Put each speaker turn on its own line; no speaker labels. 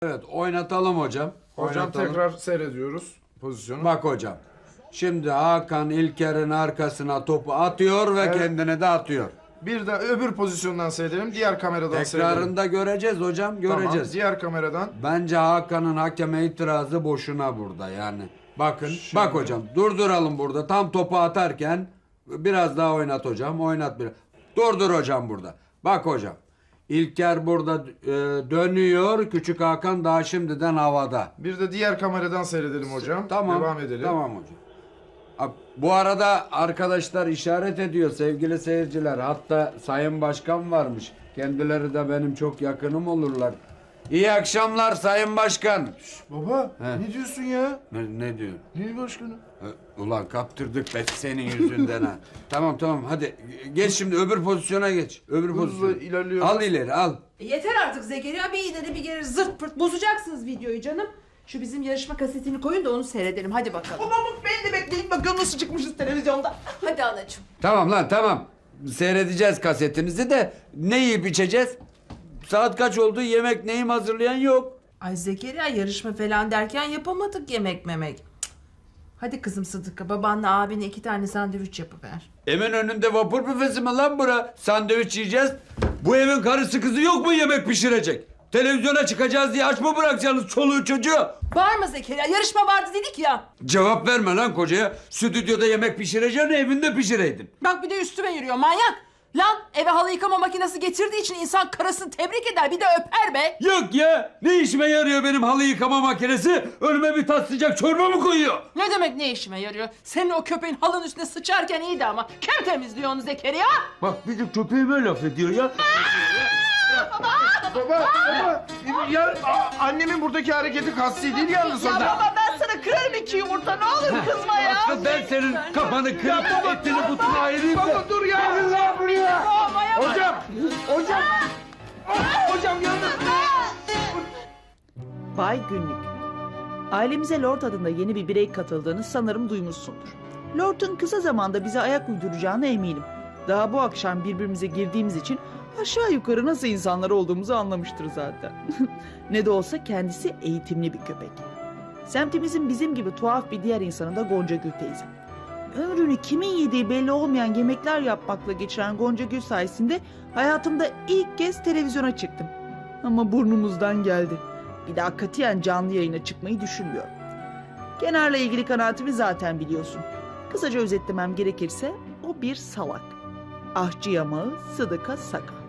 Evet, oynatalım hocam.
Hocam
Oynatalım.
tekrar seyrediyoruz pozisyonu.
Bak hocam. Şimdi Hakan İlker'in arkasına topu atıyor ve
Evet.
kendini de atıyor.
Bir de öbür pozisyondan seyredelim. Diğer kameradan seyredelim.
Tekrarında göreceğiz hocam, göreceğiz.
Tamam, diğer kameradan.
Bence Hakan'ın hakeme itirazı boşuna burada yani. Bakın, bak hocam durduralım burada. Tam topu atarken biraz daha oynat hocam, oynat biraz. Durdur hocam burada. Bak hocam. İlker burada dönüyor. Küçük Hakan daha şimdiden havada.
Bir de diğer kameradan seyredelim hocam.
Tamam.
Devam edelim.
Tamam hocam. Bu arada arkadaşlar işaret ediyor sevgili seyirciler. Hatta Sayın Başkan varmış. Kendileri de benim çok yakınım olurlar. İyi akşamlar Sayın Başkan.
Baba
He.
ne diyorsun ya?
Ne diyor?
Ne başkanı?
Ulan kaptırdık be senin yüzünden ha. Tamam hadi geç şimdi öbür pozisyona geç. Öbür
Hızla
pozisyona.
ilerliyoruz.
Al ileri al.
Yeter artık Zekeriya Bey, yine de bir kere zırt pırt bozacaksınız videoyu canım. Şu bizim yarışma kasetini koyun da onu seyredelim, hadi bakalım.
Babamı ben de bekleyin bakalım nasıl çıkmışız televizyonda.
Hadi anacığım.
Tamam lan tamam. Seyredeceğiz kasetinizi de ne yiyip içeceğiz? Saat kaç oldu? Yemek neyim hazırlayan yok.
Ay Zekeriya, yarışma falan derken yapamadık yemek memek. Cık. Hadi kızım Sıdıka, babanla abine 2 tane sandviç yapıver.
Evin önünde vapur büfesi mi lan bura? Sandviç yiyeceğiz. Bu evin karısı kızı yok mu yemek pişirecek? Televizyona çıkacağız diye aç mı bırakacaksınız çoluğu çocuğu?
Bağırma Zekeriya, yarışma vardı dedik ya.
Cevap verme lan kocaya. Stüdyoda yemek pişireceğine evinde pişireydin.
Bak bir de üstüme yürüyor manyak. Lan eve halı yıkama makinesi getirdiği için insan karısını tebrik eder, bir de öper be.
Yok ya. Ne işime yarıyor benim halı yıkama makinesi? Önüme bir tas sıcak çorba mı koyuyor?
Ne demek ne işime yarıyor? Senin o köpeğin halının üstüne sıçarken iyiydi ama. Kim temizliyor onu Zekeriya?
Bak bizim köpeğime laf ediyor ya.
Baba ya annemin buradaki hareketi kasti değil yalnız
Ya
hocam.
baba ben sana kırarım 2 yumurta ne olur kızma ya.
Aslı ben senin kafanı kırıp etini butunu ayırayım da.
Baba dur ya. Gelin lan buraya. Hocam. Hocam yalnız.
Bay Günlük. Ailemize Lord adında yeni bir birey katıldığını sanırım duymuşsundur. Lord'un kısa zamanda bize ayak uyduracağına eminim. Daha bu akşam birbirimize girdiğimiz için aşağı yukarı nasıl insanlar olduğumuzu anlamıştır zaten. Ne de olsa kendisi eğitimli bir köpek. Semtimizin bizim gibi tuhaf bir diğer insanı da Gonca Gül teyze. Ömrünü kimin yediği belli olmayan yemekler yapmakla geçiren Gonca Gül sayesinde hayatımda ilk kez televizyona çıktım. Ama burnumuzdan geldi. Bir daha katiyen canlı yayına çıkmayı düşünmüyorum. Kenar'la ilgili kanaatimi zaten biliyorsun. Kısaca özetlemem gerekirse o bir salak. Ahçı yamağı, Sıdıka Saka.